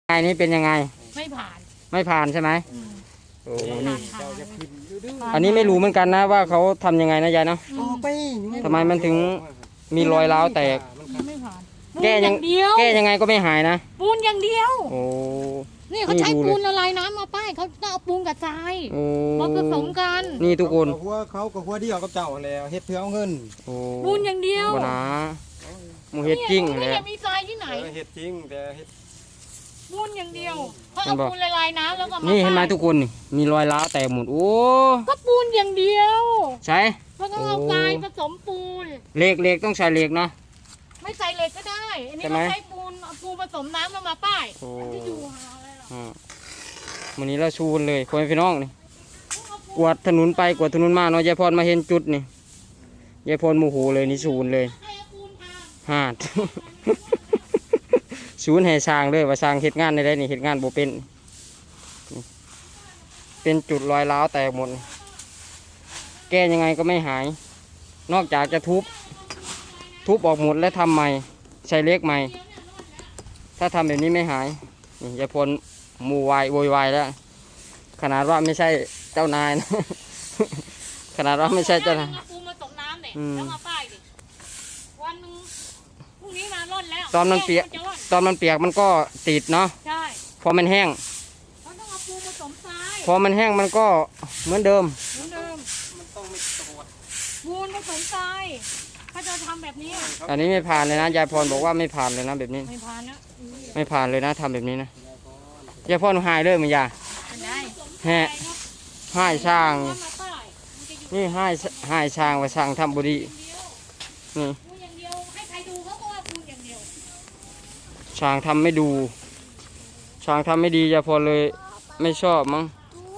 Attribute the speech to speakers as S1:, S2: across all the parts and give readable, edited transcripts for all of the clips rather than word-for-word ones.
S1: ไงนี่เป็นยังไง
S2: ไม่ผ่าน
S1: ไม่ผ่านใช่ไหมโอ้นี่
S2: ผ่า
S1: อันนี้ไม่รู้เหมือนกันนะว่าเขาทำยังไงนะยายเนาะทำไมมันถึงมีรอยร้าวแตก
S2: ไม่ผ่าน
S1: แก้ยัง
S2: ปูนเดียว
S1: แก้ยังไงก็ไม่หายนะ
S2: ปูนอย่างเดียว
S1: โอ้
S2: นี่เขาใช้ปูนละลายน้ำมาป้ายเขาต้องเอาปูนกับทราย
S1: โอ้
S2: มาผสมกัน
S1: นี่ทุกคน
S3: เขากับหัวเดียวกับเจ้าแล้วเฮ็ดเพื่อเอาเงิน
S1: โอ้
S2: ปูนอย่างเดียว
S1: บ่นะหมูเฮ็ดจริง
S2: นี่
S1: แหละ
S2: จะมีทรายที่ไหน
S3: เฮ็ดจริงแต่เฮ็ด
S2: ปูนอย่างเดียวเขาเอาปูนละลายน้ำแล้วก็มา
S1: นี่เห็นไหม
S2: ป้าย
S1: ทุกคนนี่มีรอยร้าวแตกหมดโอ้
S2: ก็ปูนอย่างเดียว
S1: ใช่
S2: แล้วก็เอาทรายผสมปูน
S1: เหล็กต้องใช้เหล็กเนาะ
S2: ไม่ใส่เหล็กก็ได้อันนี้
S1: ใช่ไหม
S2: เขาใช้ปูนเอาปูนผสมน้ำแล้วมาป้าย
S1: โอ้
S2: ที่อยู่หาอะไรหรอ
S1: วันนี้เราชูนเลยคนพี่น้องนี่กวาดถนนไปกวาดถนนมาเนาะยายพรมาเห็นจุดนี่ยายพรโมโหเลยนี่ชูนเลย
S2: ใครเอาปูนทา
S1: หาด ชูนให้สร้างเลยว่าสร้างเฮ็ดงานได้นี่เฮ็ดงานบ่เป็นนี่เป็นจุดรอยร้าวแตกหมดนี่แก้ยังไงก็ไม่หาย นอกจากจะทุบออกหมดแล้วทำใหม่ใช้เหล็กใหม่ ถ้าทำแบบนี้ไม่หายนี่ยายพลมูวายโวยวายแล้ว ขนาดว่าไม่ใช่เจ้านายนะ ขนาดว่าไม่ใช่เจ้านาย
S2: เอาปูนมาตกน้ำเนี่ย
S1: อืม
S2: แล้วมาป้ายดิวันหนึงพรุ่งนี้มาร่อนแล้ว
S1: ตอนมันเปียก
S2: จะร่อน
S1: ตอนมันเปียกมันก็ติดเนาะ
S2: ใช่
S1: พอมันแห้ง
S2: เขาต้องเอาปูนผสมทราย
S1: พอมันแห้งมันก็เหมือนเดิม
S2: เหมือนเดิม
S3: มันต้องไม่ตรวจ
S2: ปูนผสมทรายถ้าจะทำแบบนี้
S1: อันนี้ไม่ผ่านเลยนะยายพรบอกว่าไม่ผ่านเลยนะแบบนี้
S2: ไม่ผ่านนะ
S1: ไม่ผ่านเลยนะทำแบบนี้นะยายพรหายเลยมันยา
S2: เป็นได้
S1: แห่หายช่าง
S2: มาป้ายมันจะอยู่
S1: นี่หายช่างว่าช่างทำบุรี
S2: ปูน
S1: นี่
S2: อย่างเดียวให้ใครดูเขาก็ว่าปูนอย่างเดียว
S1: ช่างทำไม่ดูช่างทำไม่ดียายพรเลยไม่ชอบมั้ง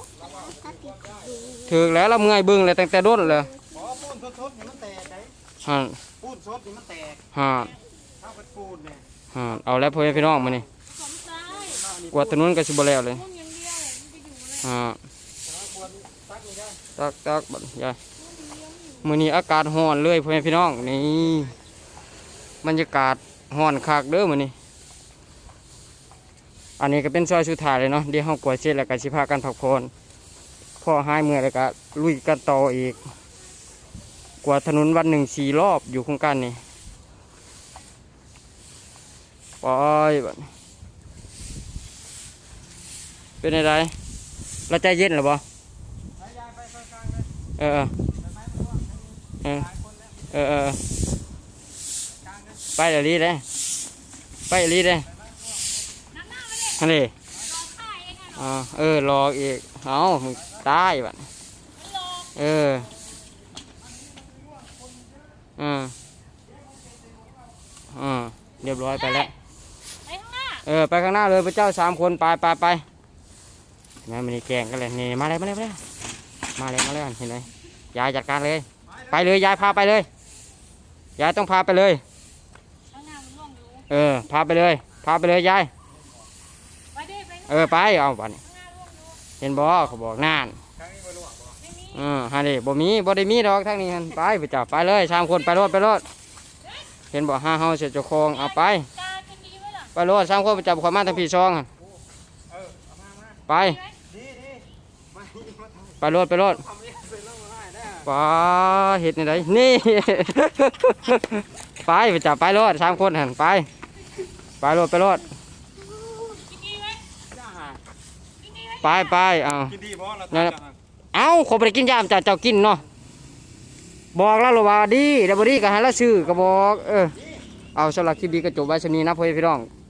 S1: ถึกแล้วเราเมื่อยเบึ้งเลยตั้งแต่ด้นเลย
S3: ขอปูนสดๆนี่มันแตกไง
S1: ฮะ
S3: ปูนสดนี่มันแตก
S1: ฮะ
S3: ถ้าเป็นปูนเนี่ย
S1: ฮะเอาแล้วพ่อแม่พี่น้องมานี่
S2: ผสมทราย
S1: กวาดถนนก็สิบ่แล้วเลย
S2: ปูนอย่างเดียวมันจะอยู่เลย
S1: ฮะ
S3: ควรตักนี่ได้
S1: ตักบัดยายมื้อนี้อากาศร้อนเลยพ่อแม่พี่น้องนี่บรรยากาศร้อนคักเด้อมื้อนี้อันนี้ก็เป็นซอยสุดท้ายเลยเนาะเดี๋ยวเฮากวาดเสร็จแล้วก็สิพากันพักผ่อนพอหายเมื่อยแล้วก็ลุยกันต่ออีกกวาดถนนวันหนึ่ง4 รอบอยู่โครงการนี้ไปบัดนี้เป็นไงเราใจเย็นหรือบ่
S3: ยายไปกลางๆเลย
S1: เออเออเออเออไปเดี๋ยวรีเลยไปเดี๋ยวรีเลยฮันนี่รออีกเอามึงตายบัดเออเรียบร้อยไปแล้ว
S2: ไปข้างหน้า
S1: ไปข้างหน้าเลยพระเจ้า3 คนไปแม่มันนี่แกงกันเลยนี่มาเลยเห็นไหมยายจัดการเลยไปเลยยายพาไปเลยยายต้องพาไปเลย
S2: ข้างหน้ามันร่วงอยู่
S1: พาไปเลยยาย
S2: ไปดิไป
S1: ไปเอาบัดนี้
S2: ข้างหน้าร่วงอยู่
S1: เห็นบ่เขาบอกน่าน
S3: ครั้งนี้บ่รู้บ่
S2: ไม่มี
S1: ฮันนี่บ่ได้มีดอกทั้งนี้ฮันไปพระเจ้าไปเลย3 คนไปรถเห็นบ่ห้าเฮาเสียเจ้าของเอาไป
S2: ตาจะดีไหมล่ะ
S1: ไปรถ3 คนพระเจ้าขอมาทางพี่ซองหั่น
S3: เอามา
S1: ไป
S3: ดีมาทำ
S1: ไปรถ
S3: ทำเนี่ยเสร็จแล้วมาได้นะ
S1: เห็ดในไหนนี่ ไปจับไปรถ3 คนหันไปรถ
S2: กินดีไหม
S3: จ้า
S2: กินดีไหม
S1: ไปเอา
S3: กินดีบ่เรา
S1: นั่น
S3: ทำ
S1: น่ะ
S3: จัง
S1: เอาขอไปกินยามเจ้ากินเนาะบอกแล้วหรอว่าดีเดี๋ยวบดีก็ให้ละซื้อก็บอกเอาสำหรับคลิปนี้ก็จบไว้ชนี้นะพ่อพี่น้อง